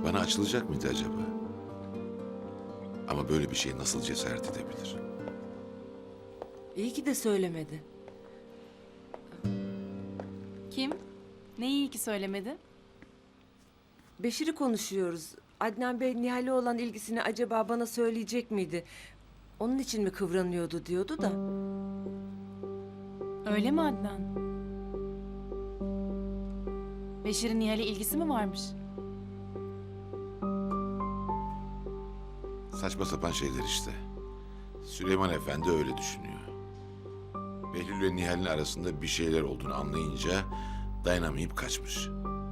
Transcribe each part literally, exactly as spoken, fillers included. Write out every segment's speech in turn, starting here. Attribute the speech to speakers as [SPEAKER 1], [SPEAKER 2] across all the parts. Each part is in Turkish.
[SPEAKER 1] Bana açılacak mıydı acaba? Ama böyle bir şeye nasıl cesaret edebilir?
[SPEAKER 2] İyi ki de söylemedi.
[SPEAKER 3] Kim? Ne iyi ki söylemedi.
[SPEAKER 2] Beşir'i konuşuyoruz. Adnan Bey Nihal'e olan ilgisini acaba bana söyleyecek miydi? Onun için mi kıvranıyordu diyordu da.
[SPEAKER 3] Öyle mi Adnan? Beşir'in Nihal'e ilgisi mi varmış?
[SPEAKER 1] Saçma sapan şeyler işte. Süleyman Efendi öyle düşünüyor. Behlül ve Nihal'in arasında bir şeyler olduğunu anlayınca dayanamayıp kaçmış.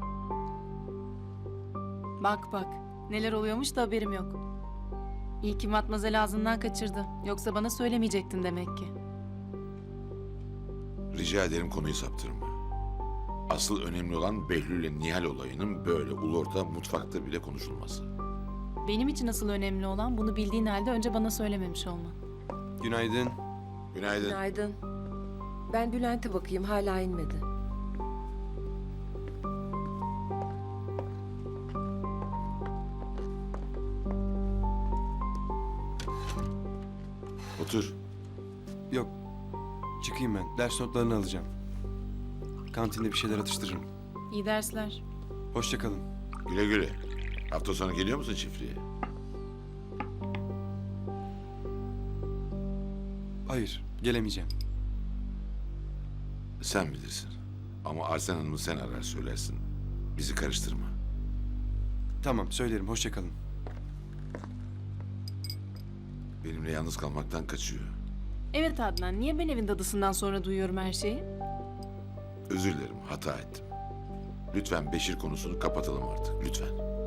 [SPEAKER 3] Bak bak, neler oluyormuş da haberim yok. İyi ki Matmazel ağzından kaçırdı. Yoksa bana söylemeyecektin demek ki.
[SPEAKER 1] Rica ederim konuyu saptırma. Asıl önemli olan Behlül ile Nihal olayının böyle ulu orta mutfakta bile konuşulması.
[SPEAKER 3] Benim için asıl önemli olan bunu bildiğin halde önce bana söylememiş olman.
[SPEAKER 4] Günaydın.
[SPEAKER 1] Günaydın.
[SPEAKER 2] Günaydın. Ben Bülent'e bakayım, hala inmedi.
[SPEAKER 1] Otur.
[SPEAKER 4] Yok. Çıkayım ben. Ders notlarını alacağım. Kantinde bir şeyler atıştırırım.
[SPEAKER 3] İyi dersler.
[SPEAKER 4] Hoşça kalın.
[SPEAKER 1] Güle güle. Hafta sonu geliyor musun çiftliğe?
[SPEAKER 4] Hayır, gelemeyeceğim.
[SPEAKER 1] Sen bilirsin. Ama Arsen Hanım'ı sen arar söylersin. Bizi karıştırma.
[SPEAKER 4] Tamam, söylerim. Hoşça kalın.
[SPEAKER 1] Benimle yalnız kalmaktan kaçıyor.
[SPEAKER 3] Evet Adnan, niye ben evin dadısından sonra duyuyorum her şeyi?
[SPEAKER 1] Özür dilerim, hata ettim. Lütfen Beşir konusunu kapatalım artık, lütfen.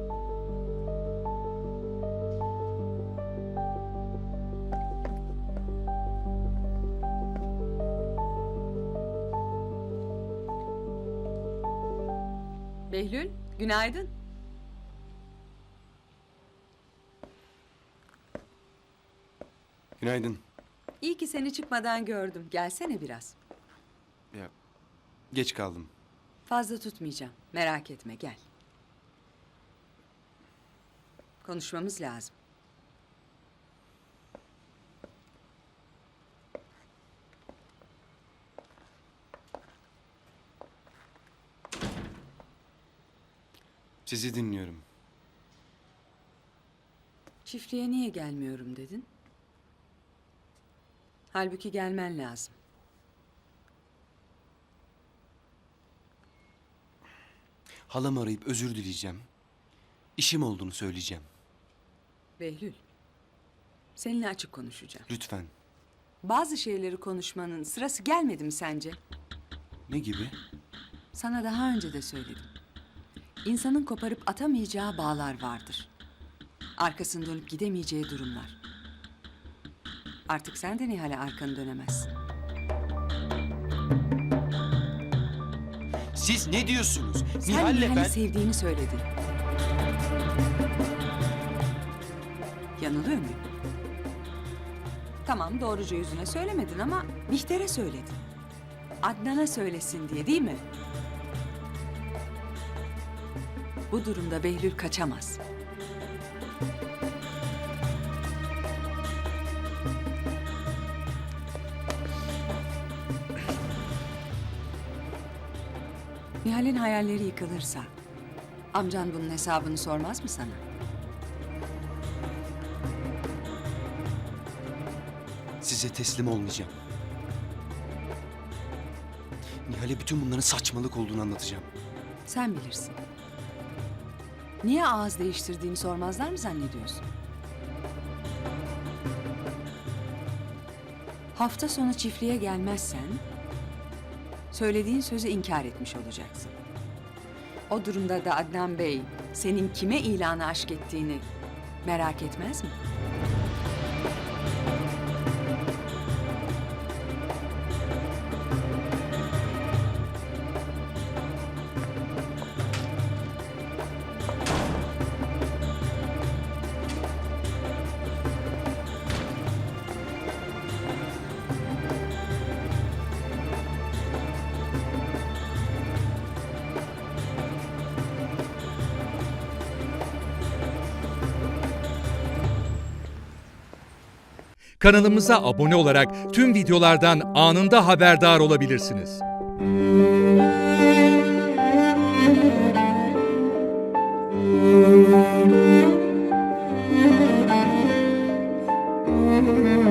[SPEAKER 5] Behlül, günaydın.
[SPEAKER 4] Günaydın.
[SPEAKER 5] İyi ki seni çıkmadan gördüm. Gelsene biraz.
[SPEAKER 4] Ya, geç kaldım.
[SPEAKER 5] Fazla tutmayacağım. Merak etme, gel. Konuşmamız lazım.
[SPEAKER 4] Sizi dinliyorum.
[SPEAKER 5] Çiftliğe niye gelmiyorum dedin? Halbuki gelmen lazım.
[SPEAKER 4] Halamı arayıp özür dileyeceğim. İşim olduğunu söyleyeceğim.
[SPEAKER 5] Behlül, seninle açık konuşacağım.
[SPEAKER 4] Lütfen.
[SPEAKER 5] Bazı şeyleri konuşmanın sırası gelmedi mi sence?
[SPEAKER 4] Ne gibi?
[SPEAKER 5] Sana daha önce de söyledim. İnsanın koparıp atamayacağı bağlar vardır. Arkasını dönüp gidemeyeceği durumlar. Artık sen de Nihal'e arkanı dönemezsin.
[SPEAKER 4] Siz ne diyorsunuz?
[SPEAKER 5] Sen
[SPEAKER 4] Nihal'le
[SPEAKER 5] Nihal'i
[SPEAKER 4] ben...
[SPEAKER 5] sevdiğini söyledin. Yanılıyor muyum? Tamam, doğruca yüzüne söylemedin ama Bihter'e söyledin. Adnan'a söylesin diye, değil mi? Bu durumda Behlül kaçamaz. Nihal'in hayalleri yıkılırsa amcan bunun hesabını sormaz mı sana?
[SPEAKER 4] Size teslim olmayacağım. Nihal'e bütün bunların saçmalık olduğunu anlatacağım.
[SPEAKER 5] Sen bilirsin. Niye ağız değiştirdiğini sormazlar mı zannediyorsun? Hafta sonu çiftliğe gelmezsen söylediğin sözü inkar etmiş olacaksın. O durumda da Adnan Bey senin kime ilanı aşk ettiğini merak etmez mi?
[SPEAKER 6] Kanalımıza abone olarak tüm videolardan anında haberdar olabilirsiniz.
[SPEAKER 2] Müzik